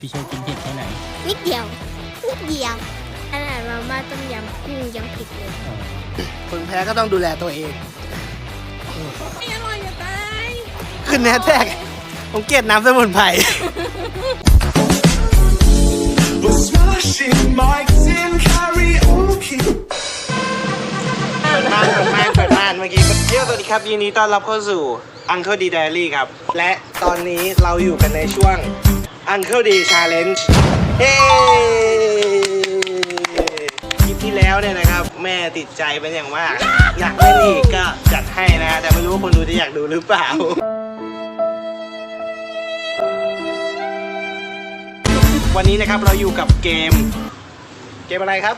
พี่โชว์กินเผ็ดแค่ไหนนิดเดียวขนาดมาม่าต้มยำกุ้งยังผิดเลยคนแพ้ก็ต้องดูแลตัวเองไม่อร่อยจะตายขึ้นแฮชแท็กผมเกลียดน้ำสมุนไพร เปิดม่านเมื่อกี้เที่ยวสวัสดีครับยินดีต้อนรับเข้าสู่ Uncle D Diary ครับ และตอนนี้เราอยู่กันในช่วง Uncle D Challenge เฮ้คลิปที่แล้วเนี่ยนะครับ แม่ติดใจเป็นอย่างมาก อยากเล่นอีกก็จัดให้นะ แต่ไม่รู้ว่าคนดูจะอยากดูหรือเปล่า วันนี้นะครับเราอยู่กับเกมอะไรครับ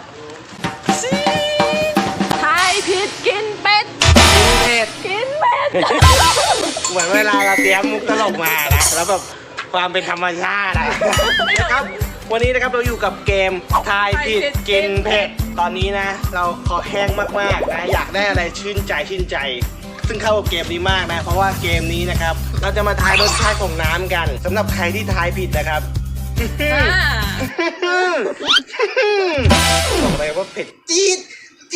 ทายผิดกินเป็ดเผ็ดกินเป็ดเหมือนเวลาเราเตรียมมุกตลกมานะแล้วแบบความเป็นธรรมชาตินะครับ วันนี้นะครับเราอยู่กับเกมทายผิดกินเผ็ดตอนนี้นะ เราขอแห้งมากๆนะอยากได้อะไรชื่นใจ ซึ่งเข้ากับเกมนี้มากนะเพราะว่าเกมนี้นะครับเราจะมาทายรสชาติของน้ำกันสำหรับใครที่ทายผิดนะครับบอกเลยว่าเผ็ดจี๊ด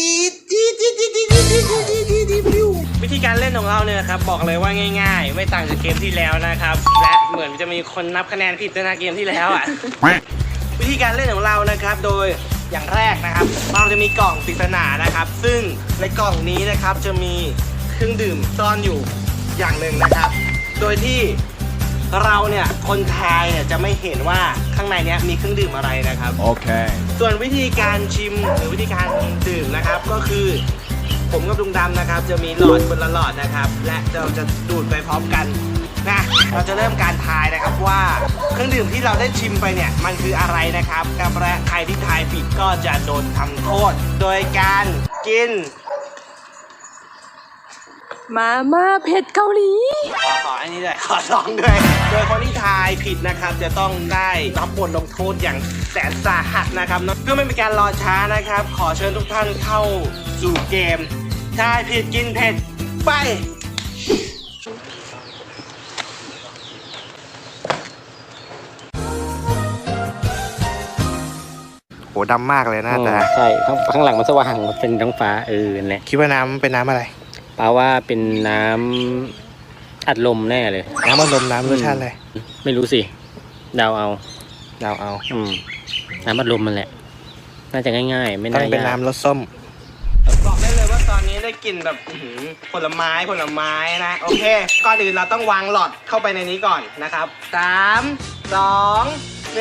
วิธีการเล่นของเราเนี่ยครับบอกเลยว่าง่ายๆไม่ต่างจากเกมที่แล้วนะครับและเหมือนจะมีคนนับคะแนนผิดด้วยนะเกมที่แล้วอ่ะ วิธีการเล่นของเรานะครับโดยอย่างแรกนะครับเราจะมีกล่องปริศนานะครับซึ่งในกล่องนี้นะครับจะมีเครื่องดื่มซ่อนอยู่อย่างหนึ่งนะครับโดยที่เราเนี่ยคนทายเนี่ยจะไม่เห็นว่าข้างในเนี้ยมีเครื่องดื่มอะไรนะครับโอเคส่วนวิธีการชิมหรือวิธีการดื่มนะครับก็คือผมกับลุงดำนะครับจะมีหลอดคนละหลอดนะครับและเราจะดูดไปพร้อมกันนะเราจะเริ่มการทายนะครับว่าเครื่องดื่มที่เราได้ชิมไปเนี่ยมันคืออะไรนะครับกับและใครที่ทายผิดก็จะโดนทำโทษโดยการกินมาม่าเผ็ดเกาหลีขออันนี้ด้วยขอลองด้วยโดยคนที่ทายผิดนะครับจะต้องได้รับบทลงโทษอย่างแสนสาหัสนะครับเพื่อไม่เป็นการรอช้านะครับขอเชิญทุกท่านเข้าสู่เกมทายผิดกินเผ็ดไปโหดำมากเลยนะแต่ใช่ข้างหลังมันสว่างมันเป็นท้องฟ้าเนี่ยคิดว่าน้ำเป็นน้ำอะไรแปลว่าเป็นน้ำอัดลมแน่เลยน้ำอัดลมน้ำรสชาติอะไรไม่รู้สิเดาเอาน้ำอัดลมมันแหละน่าจะง่ายๆไม่น่าเป็นน้ำรสส้มบอกได้เลยว่าตอนนี้ได้กลิ่นแบบผลไม้นะโอเคก่อนอื่นเราต้องวางหลอดเข้าไปในนี้ก่อนนะครับ3 2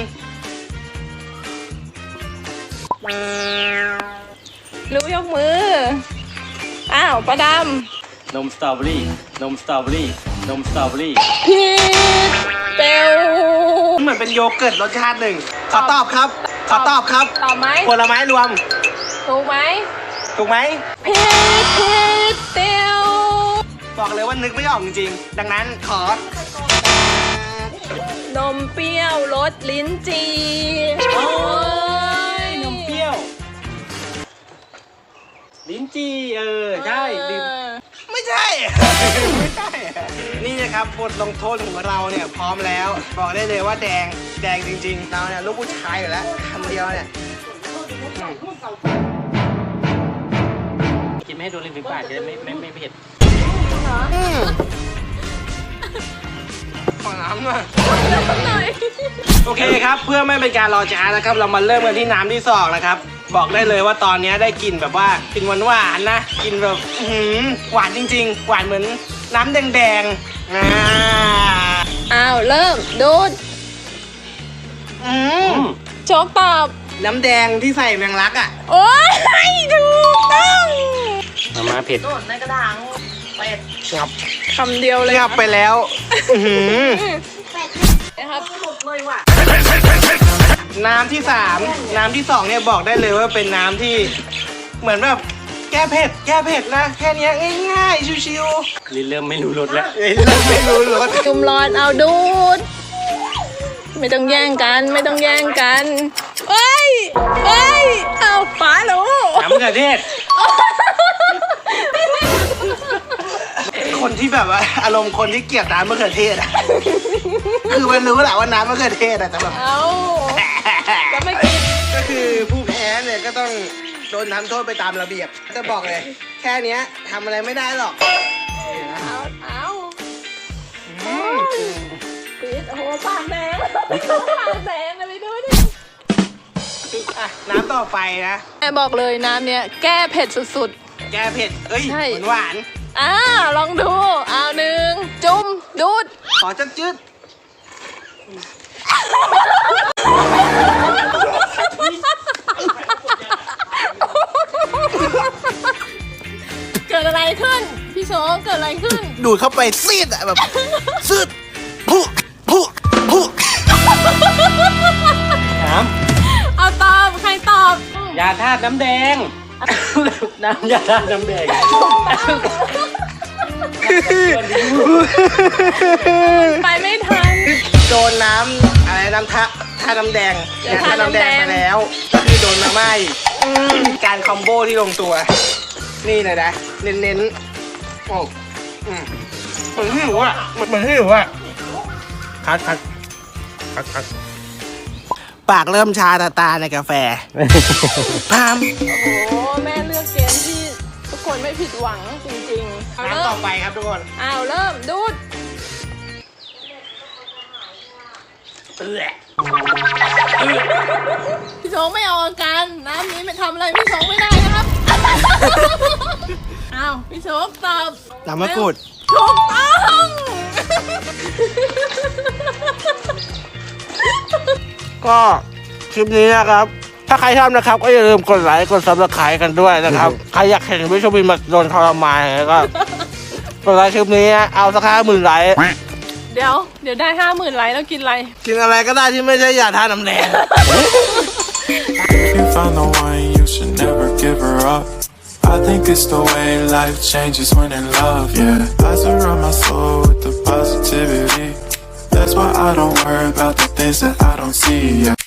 รู้ยกมืออ้าวประดนมสตรอเบอรี่ผิดเปลวเหมือนเป็นโยเกิร์ตรสชาติหนึ่งขอตอบครับตอบไหมผลไม้รวมถูกไหมผิดเปลวบอกเลยว่านึกไม่ออกจริงๆดังนั้นขอนมเปรี้ยวรสลิ้นจี่โอ้ยนมเปรี้ยวลิ้นจี่ใช่ไม่ใช่นี่นะครับบทลงโทษของเราเนี่ยพร้อมแล้วบอกได้เลยว่าแดงจริงๆเราเนี่ยลูกผู้ชายอยู่แล้วคำเดียวเนี่ยกินไม่ให้โดนลิ้นฝีปากจะได้ไม่เผ็ดขอน้ำหน่อยโอเคครับเพื่อไม่เป็นการรอช้านะครับเรามาเริ่มกันที่น้ำที่สองนะครับบอกได้เลยว่าตอนนี้ได้กลิ่นแบบว่ากลิ่นหวานนะกลิ่นแบบหวานจริงๆหวานเหมือนน้ำแดงอ้าวเริ่มดูดโชคตอบน้ำแดงที่ใส่แมงลักอ่ะโอ้ยถูกต้องมาม่าเผ็ดโดดในกระดาษเป็ดงับคำเดียวเลยงับไปแล้วนะครับหมดเลยว่ะน้ำที่3น้ำที่2เนี่ยบอกได้เลยว่าเป็นน้ำที่เหมือนแบบแก้เผ็ดนะแค่นี้ง่ายๆชิวลิ้นเริ่มไม่รู้รสแล้วจุ่มร้อนเอาดูดไม่ต้องแย่งกันเอ้ยเอาป๋าหนูน้ำกระเทศคนที่แบบว่าอารมณ์คนที่เกลียดน้ำมะเขือเทศคือมันรู้แหละว่าน้ำมะเขือเทศอะแต่แบบเอาจะไม่กินก็คือผู้แพ้เนี่ยก็ต้องโดนทำโทษไปตามระเบียบจะบอกเลย แค่เนี้ยทำอะไรไม่ได้หรอกเอาปิดโอ้โหปากแดงปากแดงเลยไปดูดิอ่ะน้ำต่อไปนะแม่บอกเลยน้ำเนี้ยแก้เผ็ดสุดแก้เผ็ดเอ้ยใช่หวานๆลองดูเอาหนึ่งจุ่มดูดๆขอจัดจืดเกิดอะไรขึ้น พี่โชว์เกิดอะไรขึ้นดูดเข้าไปซีดอะแบบซีดพุน้เอาตอบใครตอบำยาธาตุน้ำแดง น้ำยาธาตุน้ำแดงไปไม่ทันโดนน้ำอะไรน้ำท่าน้ำแดงยาธาตุน้ำแดงไปแล้ว ก็คือโดนมาไหม้การคอมโบที่ลงตัว นี่เลยนะ เน้นๆโอ้เหมือนหิวอ่ะเหมือนหิวอ่ะคัดปากเริ่มชาตาในกาแฟ พามโอ้โหแม่เลือกเกมที่ทุกคนไม่ผิดหวังจริงๆเอาน้ำเริ่ต่อมไปครับทุกคนเอาเริ่มดูด พี่ชงไม่เอาอาการน้ำนี้ไม่ทำอะไรพี่ชงไม่ได้นะครับ อ้าวพี่ชงตอบน้ำมะกรูดถูกต้องก็คลิปนี้นะครับ ถ้าใครชอบนะครับก็อย่าลืมกดไลค์กดซับสไครต์กันด้วยนะครับ ใครอยากเห็นวิชวินมาโดนทรมานก็กดไลค์คลิปนี้เอาสัก50,000ไลค์เดี๋ยวได้50,000 ไลค์แล้วกินอะไรกินอะไรก็ได้ที่ไม่ใช่ยาทาน้ำแดง If you found the one, you should never give her up. I think it's the way life changes when in love, yeah. I surround my soul with the positivity. That's why I don't worry about the things that I don't see, yeah.